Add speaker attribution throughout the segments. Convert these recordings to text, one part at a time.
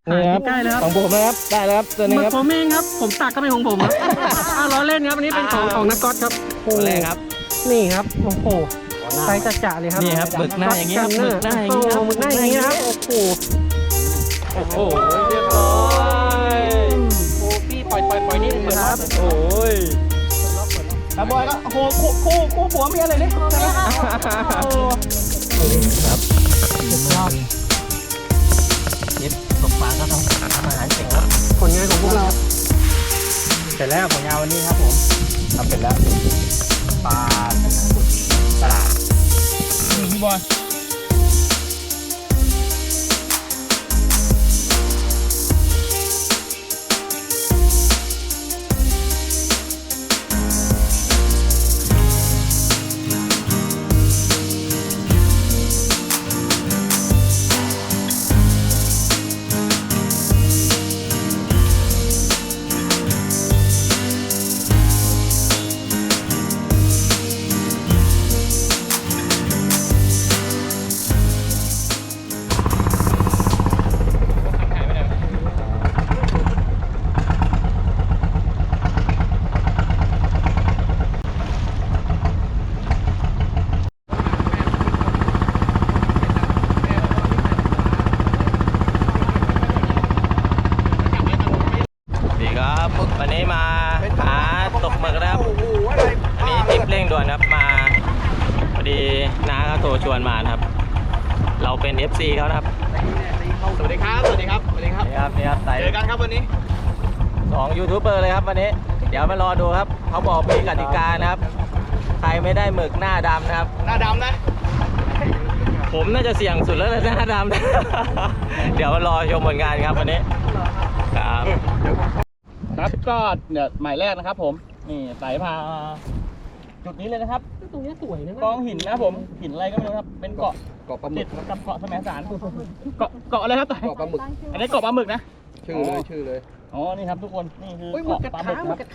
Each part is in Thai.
Speaker 1: นี่ครับใกล้แล้วของผมนะครับได้แล้วครับตัวนี้ครับผมเองครับผมตักก็เป็นของผมครับล้อเล่นครับอันนี้เป็นของนักก๊อตครับตัวแรกครับนี่ครับโอ้โหไซส์จัดๆเลยครับนี่ครับหมึกหน้าอย่างนี้ครับหมึกหน้าอย่างนี้ครับหมึกหน้าอย่างนี้ครับโอ้โหเรียบร้อยโอ้พี่ปล่อยนี่นะครับโอ้ยบอยก็โอ้โหคู่ผัวเมียเลยนี่ครับสุดยอดเย็บตกปลาก็ต้องทำอาหารเก่งครับผลงานของพวกเราเสร็จแล้วผลงานวันนี้ครับผมทำเสร็จแล้วปลาตลาดพี่บอยวันนี้มาหาตกหมึกนะครับอันนี้ทริปเร่งด่วนครับมาพอดีน้าเขาโทรชวนมานะครับเราเป็น FC เขานะครับสวัสดีครับสวัสดีครับสวัสดีครับนี่ครับเจอกันครับวันนี้2ยูทูบเบอร์เลยครับวันนี้เดี๋ยวมารอดูครับเขาบอกมีกติกานะครับใครไม่ได้หมึกหน้าดำนะครับหน้าดำนะผมน่าจะเสี่ยงสุดแล้วหน้าดำ เดี๋ยวมารอชมผลงานครับวันนี้ครับครับก็เนี่ยหมายแรกนะครับผมนี่สายพาจุดนี้เลยนะครับตรงนี้สวยนะกองหินนะผมหินอะไรก็ไม่รู้ครับเป็นเกาะปลาหมึกกับเกาะแสมสารเกาะอะไรครับเกาะปลาหมึกอันนี้เกาะปลาหมึกนะชื่อเลยอ๋อนี่ครับทุกคนนี่คือเกาะปลาหมึกครับ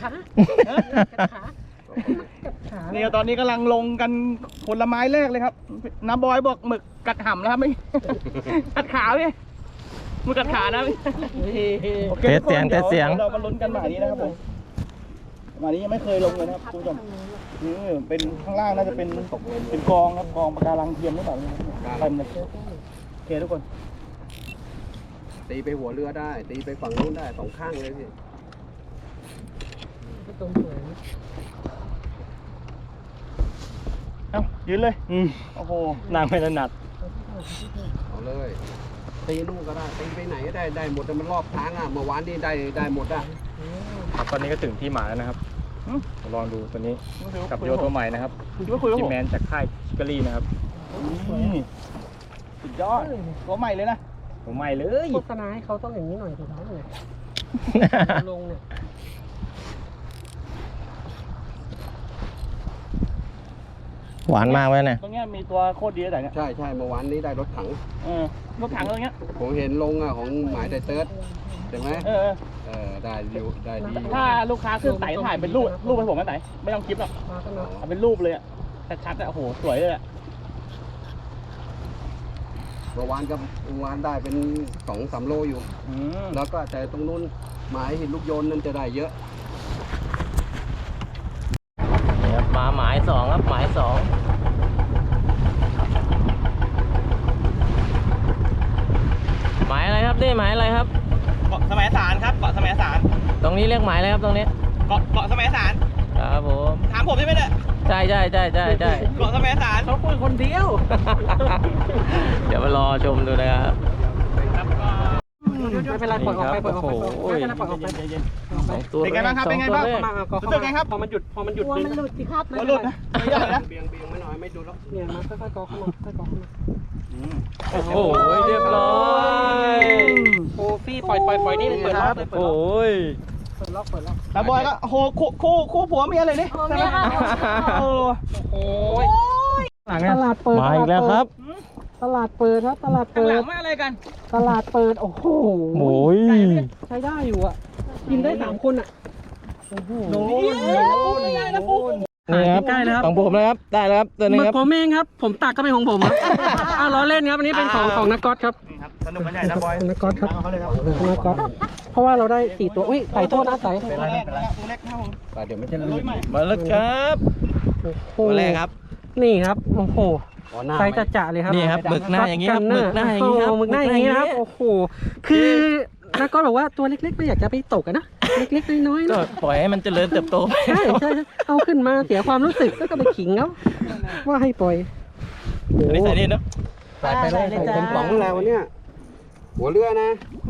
Speaker 1: นี่ตอนนี้กำลังลงกันผลไม้แรกเลยครับน้าบอยบอกหมึกกัดห่ำนะครับไม่กัดขาพี่มือกัดขานะเทสเสียงเรามาลุ้นกันหมายนี้นะครับผมหมายนี้ยังไม่เคยลงเลยนะครับคุณผู้ชมเป็นข้างล่างน่าจะเป็นกองครับกองปะการังเทียมหรือเปล่าเต็มเลยโอเคทุกคน
Speaker 2: ตีไปหัวเรือได้ตีไปฝั่งนู้นได้สองข้างเลยพี่
Speaker 1: ตรงสวยเอ้ายืนเลยโอ้โหนางไม่ถนัด
Speaker 2: เอาเลยตีนู่นก็ได้ตีไปไหนก็ได้หมดแต่มันรอบทางอ่ะเมื่อวานนี่ได้หมดอ่ะ
Speaker 1: ครับตอนนี้ก็ถึงที่หมายแล้วนะครับลองดูตัวนี้กับโยตัวใหม่นะครับจิมแมนจากค่ายชิคารีนะครับสุดยอดตัวใหม่เลยนะตัวใหม่เลยโฆษณาให้เขาต้องอย่างนี้หน่อยถูกไหมเลยลงเนี่ยหวานมากเลยเนี่ยตรงนี้มีตัวโคตรดีแต่เนี่ย
Speaker 2: ใช่เมื่อวานนี้ได้รถถัง
Speaker 1: รถถังตรงนี้
Speaker 2: ผมเห็นลงอ่ะของหมายไดเติร์ดใช่ไหมได้ดี
Speaker 1: ถ้าลูกค้าขึ้นไต่ถ่ายเป็นรูปให้ผมไหมไต่ไม่ต้องคลิปหรอกเอาเป็นรูปเลยอ่ะชัดๆอ่ะโอ้โหสวยเลยอ่ะ
Speaker 2: เมื่อวานได้เป็น2-3 โลอยู่แล้วก็แต่ตรงนู้นหมายหินลูกโยนนั่นจะได้เยอะ
Speaker 1: นี่ครับมาหมาย2ครับหมาย2หมายอะไรครับนี่หมายอะไรครับ
Speaker 3: เกาะแสมสารครับเกาะแสมสาร
Speaker 1: ตรงนี้เรียกหมายอะไรครับตรงนี้
Speaker 3: เกาะแสมสาร
Speaker 1: ครับผม
Speaker 3: ถามผมใช่ไหมเนี่ย
Speaker 1: ใช่
Speaker 3: เกาะแสมสาร
Speaker 1: เขาคุยคนเดียวเดี๋ยวมารอชมดูนะครับไม่เป็นไรปล่อยออกไปไม่เป็นไรปล่อยออกไป
Speaker 3: เป็นไงบ้างครับเป็นไงบ้างรู้สึกไงครับ
Speaker 1: พอมันหยุด
Speaker 4: มันหลุดสิครับ
Speaker 3: มันหลุดนะไม่ใหญ่นะ
Speaker 2: เบี่ยงไม่น้อยไม่ดูแล้ว
Speaker 4: เนี่ยมาค่อยๆกอเข้ามา
Speaker 1: โอ้โหเรียบร้อย
Speaker 4: โอ้พี่ปล่อยนี่เปิดล็อกเลย
Speaker 1: โอ้ย
Speaker 4: เปิดล็อก
Speaker 3: แล้วบอยก็โอ้โหคู่ผัวเมียเลยนี่ใช่ไหม
Speaker 4: โอ้ยตลาดเปิด
Speaker 1: มาอีกแล้วครับ
Speaker 4: ตลาดเปิดครับตลาดเปิด
Speaker 3: ไม่อะไรกัน
Speaker 4: ตลาดเปิดโอ้โหใช้ได้อยู่อ่ะกินได้3 คนอ่ะ
Speaker 3: โอ้โหไม่ได้นะปุ๊
Speaker 1: นี่ครับใกล้แล้วครับของผมนะครับได้แล้วครับตัวนี้ครับ
Speaker 4: ผมเองครับผมตักก็เป็นของผมครับล้อเล่นครับอันนี้เป็นของนักก๊อตครับ
Speaker 3: สสนุกกันใหญ่นะบอย
Speaker 4: นักก๊อตครับ
Speaker 3: เขาเลยครับ
Speaker 4: นักก๊อตเพราะว่าเราได้4ตัวอุ้ยใส่โทษนะใส่
Speaker 3: ตัวแรกตัวเล็กครับผม
Speaker 2: แต่เดี๋ยวมันจะลื่น
Speaker 1: มาแล้วครับ
Speaker 4: โอ้โห
Speaker 1: ตัวแรกครับ
Speaker 4: นี่ครับโอ้โห
Speaker 2: อ๋อหน้า
Speaker 4: ไซ
Speaker 2: ไม่
Speaker 4: ส์จะเลยครับ
Speaker 1: นี่ครับหมึกหน้าอย่างนี้ครับหมึกหน้าอย่างนี้ครับ
Speaker 4: หมึกหน้าอย่างนี้นะครับโอ้โหคือนักก๊อตบอกว่าตัวเล็กๆไม่อยากจะไปตกอะนะเล็กๆน้อยๆ
Speaker 1: ก็
Speaker 4: นะ
Speaker 1: ปล่อยให้มันเจริญเติบโตไป
Speaker 4: ใช่ใช่เอาขึ้นมาเสียความรู้สึกแล้วก็ไปขิงเขาว่าให้ปล่อย
Speaker 1: อันนี้ใส่นี่เนาะ
Speaker 2: ใส่ไปเลยใส่เต็มป๋องแล้ววันเนี้ยหัวเรือนะ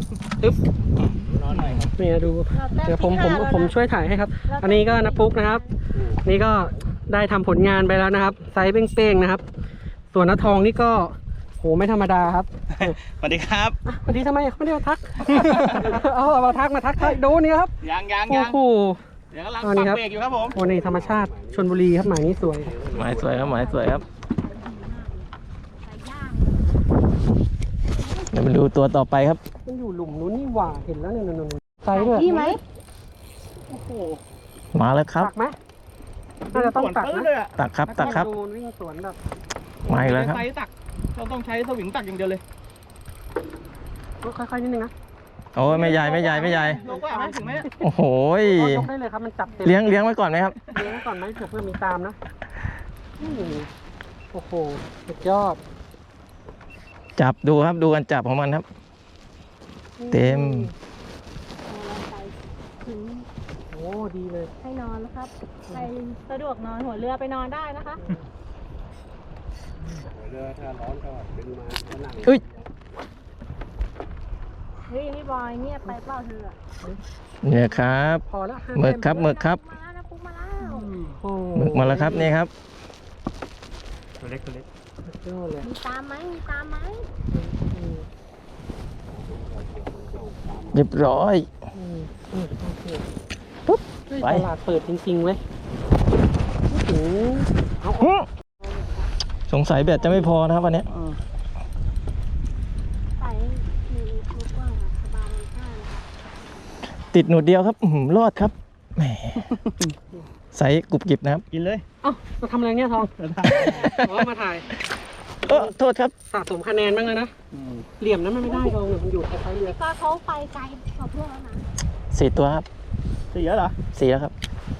Speaker 4: เนี่ยดูเดี๋ยวผมช่วยถ่ายให้ครับ อันนี้ก็นับปุ๊กนะครับ นี่ก็ได้ทำผลงานไปแล้วนะครับ ไซส์เป้งๆนะครับ ส่วนน้าทองนี่ก็โหไม่ธรรมดาครับ
Speaker 1: สวัสดีครับ
Speaker 4: สวัสดีทำไมไม่ได้มาทัก เอามาทักดูนี่ครับ
Speaker 3: ยัง
Speaker 4: โอ้โห
Speaker 3: เดี๋ยวกำลัง
Speaker 4: เอานี่
Speaker 3: ปัก
Speaker 4: ครับ
Speaker 3: เบรกอยู่ครับผม
Speaker 4: โอ้นี่ธรรมชาติชลบุรีครับหมายนี้สวย
Speaker 1: หมายสวยครับหมายสวยครับเดี๋ยวมาดูตัวต่อไปครับ
Speaker 4: มันอยู่หลุมนู้นนี่หว่าเห็นแล้วเนี่ยนไซส์ด้วย
Speaker 5: พี่ไหม
Speaker 4: โอ้โห
Speaker 1: มาแล้วครับ
Speaker 4: ตักไหมน่าจะต้องตักนะ
Speaker 3: เลยอ่ะ
Speaker 1: ตักครับตักครับ
Speaker 4: ดูวิ่งสวนแบบ
Speaker 1: มาอีกแล้วครับ
Speaker 3: ไซส์ตักเราต้องใช้สวิงตักอย่างเดียวเลย
Speaker 4: ค่อยๆนิดนึงนะ
Speaker 1: โอ้ยไม่ใหญ่ไม่ใหญ่ไม่ใหญ่
Speaker 3: ลงว่าไหมถึงไหม
Speaker 1: โอ้โหย
Speaker 4: ยกได้เลยครับมันจับเต็ม
Speaker 1: เลี้ยงไว้ก่อนไหมครับ
Speaker 4: เลี้ยงไว้ก่อนไหมเผื่อมีตามนะโอ้โหสุดยอด
Speaker 1: จับดูครับดูกันจับของมันครับ เต็ม
Speaker 5: ถึง
Speaker 4: โอ้ดีเลย
Speaker 5: ให้นอนนะครับใครสะดวกนอนหัวเรือไปนอนได้นะคะ
Speaker 2: หัวเรือถ้าร้อนก็ดึงมาแล้วนั่ง
Speaker 1: อุ้ย
Speaker 5: เฮ้ยพี่บอยเงียบไปเปล่าเธอ
Speaker 1: เนี่ยครับ
Speaker 4: พอแล้ว
Speaker 1: หมึกครับหมึกครับ
Speaker 5: มาแล้วนะปุ๊กมาแล้ว
Speaker 4: โอ้
Speaker 1: หมึกมาแล้วครับนี่ครับ
Speaker 3: ตัวเล็ก
Speaker 4: สุดยอดเลย
Speaker 5: มีตามไหมมีตามไหม
Speaker 1: เรียบร้อย
Speaker 4: ปุ๊บ
Speaker 1: ไป
Speaker 4: ตลาดเปิดจริงๆเว้ยโอ้โหเอา
Speaker 1: สงสัยแบตจะไม่พอนะครับวันนี้
Speaker 5: ใส่มีลูกกว้างค่ะสบายมากนะคะ
Speaker 1: ติดหนูดเดียวครับอื้อหือรอดครับแหมใส่กรุบกริบนะครับ
Speaker 3: กินเลย
Speaker 4: เอ้ามาทำอะไรเนี่ยทองอ๋อมาถ่าย
Speaker 1: โทษครับ
Speaker 4: สะสมคะแนนบ้างเลยนะ เหลี่ยมนั้นมันไม่ได้ทองเนี่ยมันอยู่คล้ายๆเรือ
Speaker 5: พี่ก็เขาไปไกลกว่าเพื่อนแล้วนะ
Speaker 1: 4 ตัวครับ
Speaker 3: 4แล้วเหรอ
Speaker 1: 4แล้วครับ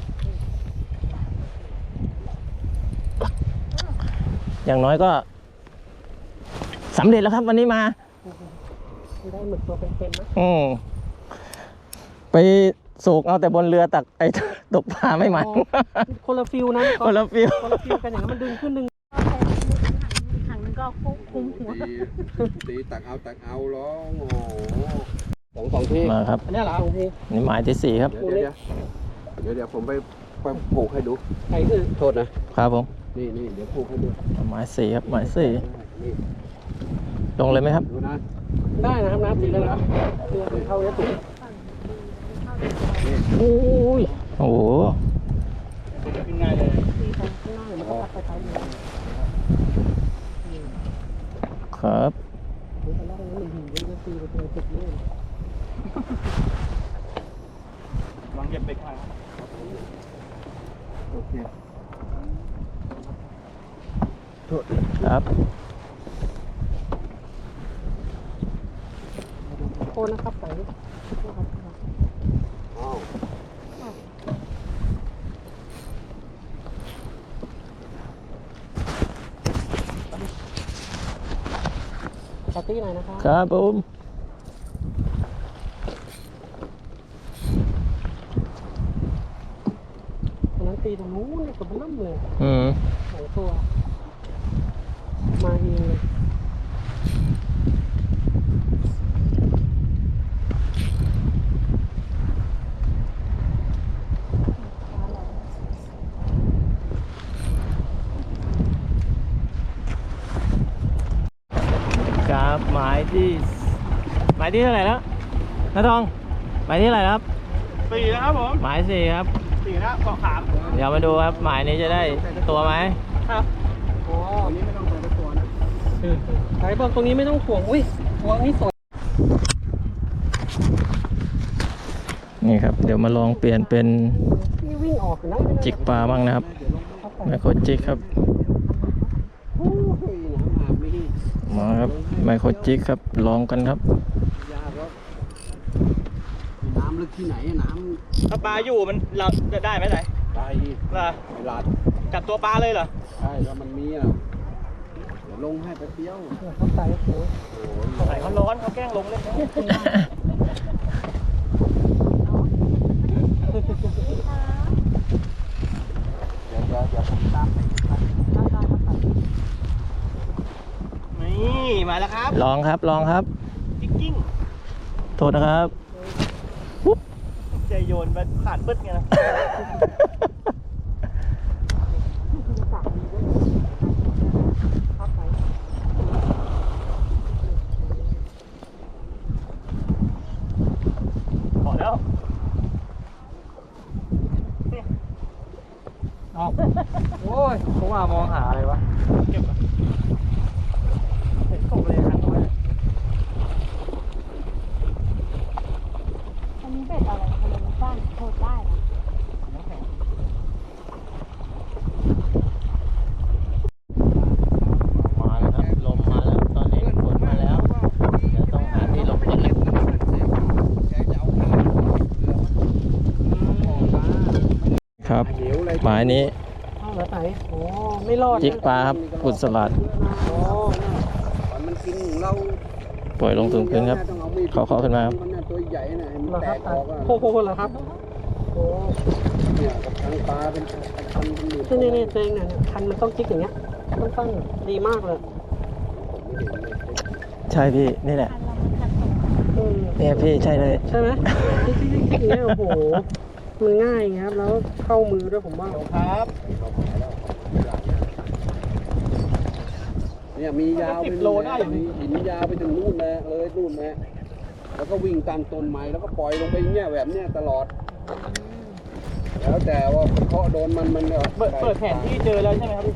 Speaker 1: อย่างน้อยก็สำเร็จแล้วครับวันนี้มา
Speaker 4: ไม่ได้หมึกตัวเป็นๆนะ
Speaker 1: ไปโศกเอาแต่บนเรือตักไอ้ ตกปลาไม่มัน
Speaker 4: คนละฟิลนะ
Speaker 1: คนละฟิว
Speaker 4: คนละฟิลกันอย่างนั้นมันดึงขึ้นดึง
Speaker 5: ถังนึงก็คุมหัว
Speaker 2: ตีตักเอาร้องโอ้โหสองที่
Speaker 1: มาครับ
Speaker 4: อันนี้เหรอโอเค
Speaker 1: นี่หมายที่ 4 ครับ
Speaker 2: เดี๋ยวผมไปผูกให้ดู
Speaker 4: ใส่คือ
Speaker 2: โทษนะครับ
Speaker 1: ผม
Speaker 2: นี่เดี๋ยวผูกให้ดู
Speaker 1: หมาย 4 ครับหมาย
Speaker 2: นี่
Speaker 1: 4ลงเลยไหมครับ
Speaker 2: ดูนะ
Speaker 4: ได้นะครับน้ำสีได้แล้วเรือเป็นเท่านี้ถูก
Speaker 1: โอ้ยโอ้โห
Speaker 3: กินง่ายเลย
Speaker 4: ข้างล่างมันก็คล้ายๆเรือ
Speaker 1: ครับ
Speaker 4: ข้างล่างมันหินเยอะๆตีไปตัวติดเลย
Speaker 3: วางเก็บเบรกไว้
Speaker 2: โอเค
Speaker 1: ครับ
Speaker 4: โทษนะครับใส่
Speaker 2: อ้าว
Speaker 4: ปาร์ตี้หน่อยนะครับ
Speaker 1: ครับผม
Speaker 4: อันนั้นตีตรงนู้นกับมันล่ำเลย สองตัว มาเองเลย
Speaker 1: ครับหมายที่เท่าไหร่แล้วน้าทองหมายที่เท่าไหร่แล้วครับ
Speaker 3: 4แล้วครับผม
Speaker 1: หมาย 4 ครับ
Speaker 3: 4แล้วเกาะขาม
Speaker 1: เดี๋ยวมาดูครับหมายนี้จะได้ตัวไหม
Speaker 4: ครับโอ้
Speaker 2: อันนี้ไม่ต้องใส่ตะกัวนะ
Speaker 4: ไหนบอกตรงนี้ไม่ต้องห่วง อุ้ยห่วงนี่สวย
Speaker 1: นี่ครับเดี๋ยวมาลองเปลี่ยนเป็น
Speaker 4: นี่วิ่งออกอยู่นะ
Speaker 1: จิกปลาบ้างนะครับไมโครจิกครับ
Speaker 2: โอ้ยน้ำอาบนี่
Speaker 1: มาครับไมโครจิกครับลองกันครับ
Speaker 2: ยากแล้วน้ำลึกที่ไหนน้
Speaker 3: ถ้าปลาอยู่มันเราจะได้ไหมไหน
Speaker 2: ำไป
Speaker 3: ล่ะ
Speaker 2: ไปลาด
Speaker 3: จับตัวปลาเลยเหรอ
Speaker 2: ใช่แล้วมันมีอ่ะเดี๋ยวลงให้แป๊บเดียว
Speaker 4: เขาใส่โอ้โห
Speaker 2: โอ้โห
Speaker 3: ไหนเขาร้อนเขาแกล้งลงเล่นนะ
Speaker 2: เดี๋ยวผมตามไป
Speaker 3: นี่มาแล้วครับ
Speaker 1: ลองครับลองครับ
Speaker 3: กิ้ง
Speaker 1: โทษนะครับ
Speaker 3: ใจโยนไปขาดปึ๊ดไงนะพอแล้ว
Speaker 4: เอาโอ้ยผมว่ามองหาอะไรวะ
Speaker 3: เก็บก่อนเห็นตกเลยครั้งนี้
Speaker 5: อันนี้เบ็ดอะไรทำไมมันสั้นโทษได้นะ
Speaker 1: มาแล้วครับลมมาแล้วตอนนี้ฝนมาแล้วเดี๋ยวต้องหาที่หลบฝนครับหมายนี้
Speaker 4: เอาแล้วไหนโอ้ไม่รอดนะ
Speaker 1: จิกปลาครับกุดสลัด
Speaker 4: โอ้
Speaker 2: มันกินของเรา
Speaker 1: ปล่อยลงถึงพื้นครับ เคาะขึ้นมาครับ
Speaker 2: มันน่ะตัวใหญ่น่ะมัน
Speaker 4: เหรอ
Speaker 2: แต
Speaker 4: ครับ
Speaker 2: กออกอ่ะ
Speaker 4: โอ้โหเหรอครับโอ้
Speaker 2: เนี่ยกับทางปลาเป็นพันเป็นหมื่น
Speaker 4: นี่ตัวเองเนี่ยคันมันต้องจิกอย่างเงี้ยต้องตั้งดีมากเลย
Speaker 1: ใช่พี่นี่แหละ
Speaker 4: อืม
Speaker 1: เนี่ยพี่ใช่เลย
Speaker 4: ใช่ไหมจิกอย่างเงี้ยโอ้โหมือง่ายไงครับแล้วเข้ามือด้วยผมว่า
Speaker 3: ครับ
Speaker 2: เนี่ยมียาวไป
Speaker 3: 10 โลได้อยู่
Speaker 2: มีหินยาวไปถึงนู่นนะเลยนู่นนะแล้วก็วิ่งตามต้นไม้แล้วก็ปล่อยลงไปอย่างเงี้ยแบบเนี้ยตลอด แล้วแต่ว่าเคาะโดนมันก็
Speaker 3: เปิดแผนที่เจอแล้วใช่ไหมครับพี่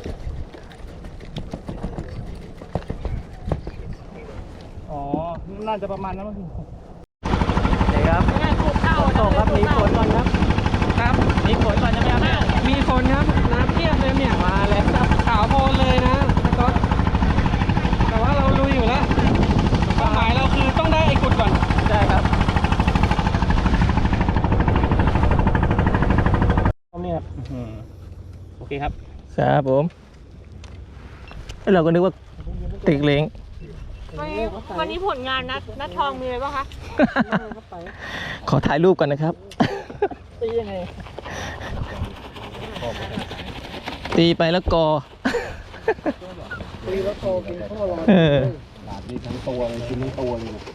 Speaker 3: อ๋อ น่าจะประมาณนั้นมั้ง
Speaker 1: นี่ครับตกครับมีฝนก่อนครับ
Speaker 4: ครับ
Speaker 1: มีฝนก่อนใช่ไหมครับเนี่ย
Speaker 4: มีคนครับน้ำเทียบเลยเนี่ยมาเลยครับขาวโพลนเลยนะก็แต่ว่าเราลุยอยู่แล้วเป้าหมายเราคือต้องได้ไอ้กุดก่อน
Speaker 1: ใช่ครับ
Speaker 3: เนี่ยโอเคครับ
Speaker 1: ครับผมแล้วเราก็นึกว่าติกเล้ง
Speaker 5: วันนี้ผลงานนัดทองมีอะไรบ้างคะ
Speaker 1: ขอถ่ายรูปก่อนนะครับ
Speaker 3: ตียังไง
Speaker 1: ตีไปแล้วกอ
Speaker 2: ตีแล้วโตกินข้าวลอย
Speaker 1: เออ
Speaker 2: หลาดนี่ทั้งตัวเลยกินทั้งตัวเลยนะ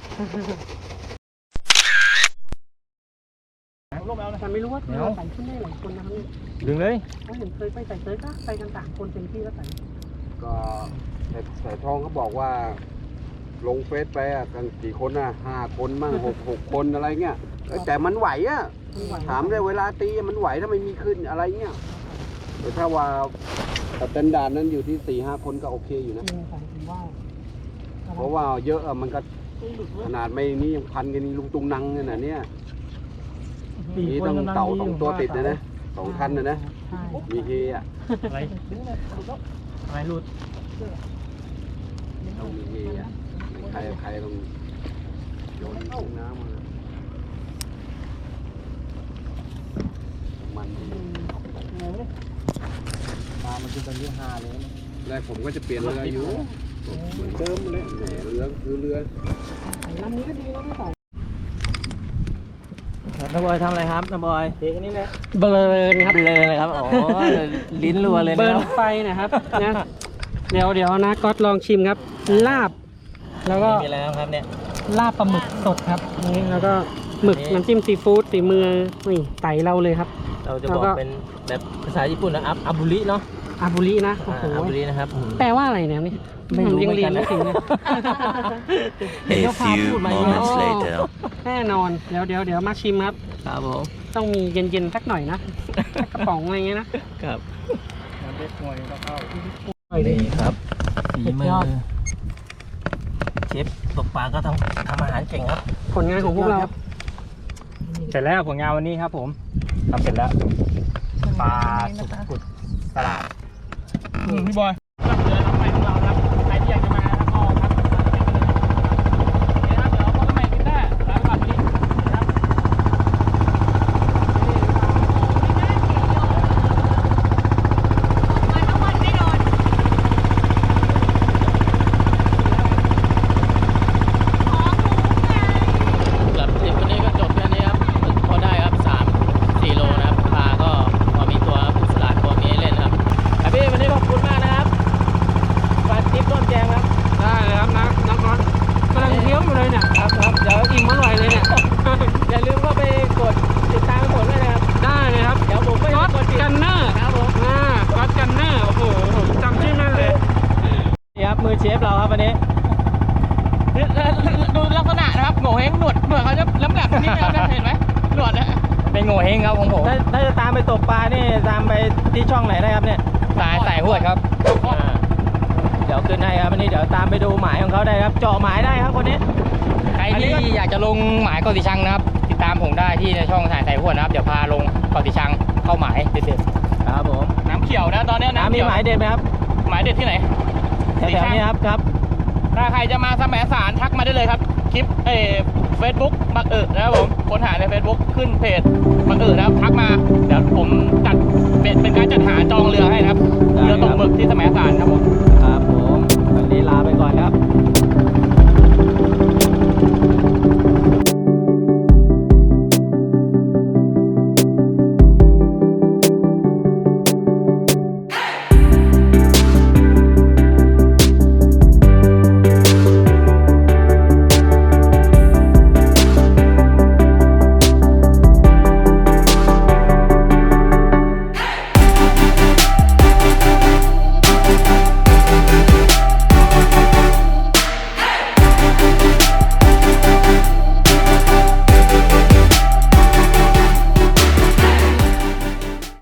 Speaker 3: ลงไปเอานะ
Speaker 4: แต่ไม่รู้ว่าเราใส่ขึ้นได้หลายคนนะครับเนี่ย
Speaker 1: ดึงเลย
Speaker 4: เขาเห็นเคยไปใส่เซิร์ฟก็ไปกัน3 คนเต็มที่แล้วใส่
Speaker 2: ก็แต่ทองเขาบอกว่า ลงเฟซไปอ่ะกันกี่คนอ่ะ5 คนมั่ง6 คนอะไรเงี้ยแต่มันไหวอ่ะ ถามเลยเวลาตีมันไหวถ้าไม่มีขึ้นอะไรเงี้ยแต่ถ้าว่าสแตนดาร์ดนั้นอยู่ที่4-5 คนก็โอเคอยู่นะ
Speaker 4: จริงใส่ผมว่า
Speaker 2: เพราะว่าเยอะอะมันก็ขนาดไม่นี่ยังพันกันนี่ลุงตุงนังเนี่ยนะเนี่ยนี่ต้องเต่า2 ตัวติดนะ2 คันนะ
Speaker 4: ใช่
Speaker 2: มีเฮอ่ะ
Speaker 3: อะไรอะไรหลุด
Speaker 2: ต้องมีเฮอ่ะใครต้องโยนลงน้ำมามันดี
Speaker 3: ปลามันจะเป็นเรื่องฮาเลยนะ
Speaker 2: แรกผมก็จะเปลี่ยนเรืออยู่เหมือนเดิมเลยแหมเรือคือเรือ
Speaker 4: ใส่ลำนี้ก็ดีแล้วไม่ใส่
Speaker 1: น้าบอยทำอะไรครับน้าบอย
Speaker 3: เทกันนี่แหละ
Speaker 4: เบลอครับ
Speaker 1: เบลอเลยครับอ๋อลิ้นรัวเลย
Speaker 4: เบิ
Speaker 1: นะ
Speaker 4: ร์
Speaker 1: คน รับ
Speaker 4: ไฟนะครับนะเดี๋ยวนะก๊อตลองชิมครับ ลาบ แล้วก็
Speaker 1: มีอะไรนะครับเนี่ย
Speaker 4: ลาบปลาหมึกสดครับนี่แล้วก็หมึก
Speaker 1: นี่
Speaker 4: น้ำจิ้มซีฟู้ดสีมือนี่ไต่เราเลยครับ
Speaker 1: เราจะ
Speaker 4: แล้
Speaker 1: บ
Speaker 4: ว
Speaker 1: อก
Speaker 4: ก็
Speaker 1: เป็นแบบภาษาญี่ปุ่นนะอาบุริเนาะ
Speaker 4: อาบุรินะโอ้โห
Speaker 1: อาบุรินะครับ
Speaker 4: แปลว่าอะไรเนี่ยนี่
Speaker 1: ไม่รู้
Speaker 4: ยัง
Speaker 1: เหมือน
Speaker 4: เรีย
Speaker 1: กัน น
Speaker 4: ไม่
Speaker 1: นะ
Speaker 4: ถึงเลย
Speaker 6: A few moments later.
Speaker 4: แน่นอนเดี๋ยวมาชิมครับ
Speaker 1: ครับผม
Speaker 4: ต้องมีเย็นๆสักหน่อยนะสักกระป๋องอะไรเงี้ยนะ
Speaker 1: ครับ
Speaker 3: มันเล็กหน่อยก็เข้า
Speaker 1: นี่ครับฝี
Speaker 4: สุด
Speaker 1: มื
Speaker 4: ย
Speaker 1: อ
Speaker 4: อด
Speaker 1: เชฟตกปลาก็ทำอาหารเก่งครับ
Speaker 4: ผลงานของพวกเรา
Speaker 3: เสร็จแล้วผลงานวันนี้ครับผมทำเสร็จแล้วปลาสุกกุดตลาดพี่บอยเรือลำใหม่ของเราครับใครที่อยากจะมาก็
Speaker 7: เขาจะล้ำแหลมนี่นะครับเห็นไหมหนวดนะ
Speaker 3: เป็นโง่เฮงครับของผม
Speaker 1: ถ้าจะตามไปตกปลานี่ตามไปที่ช่องไหนได้ครับเนี่ย
Speaker 3: สายหวดครับ
Speaker 1: เดี๋ยวขึ้นให้ครับอันนี้เดี๋ยวตามไปดูหมายของเขาได้ครับ เจาะหมายได้ครับคนนี้
Speaker 3: ใครที่อยากจะลงหมายเกาะสีชังนะครับ ติดตามผมได้ที่ในช่องสายหวดนะครับ เดี๋ยวพาลงเกาะสีชังเข้าหมายเด็ด
Speaker 1: ครับผม
Speaker 7: น้ำเขียวนะตอนนี้
Speaker 1: น้ำ
Speaker 7: น้ำ
Speaker 1: มี
Speaker 7: เขียว
Speaker 1: หมายเด็ดไหมครับ
Speaker 7: หมายเด็ดที่ไหน
Speaker 1: แถวๆนี้ครับ
Speaker 7: ถ้าใครจะมาแสมสารทักมาได้เลยครับ คลิปเฟซบุ๊กบักนะครับผมค้นหาใน Facebook ขึ้นเพจบักนะครับทักมาเดี๋ยวผมจัดเป็นการจัดหาจองเรือให้นะครับ
Speaker 1: ได้ครับ
Speaker 7: เรือตกหมึกที่แสมสารครับผม
Speaker 1: ครับผมวันนี้ลาไปก่อนครับ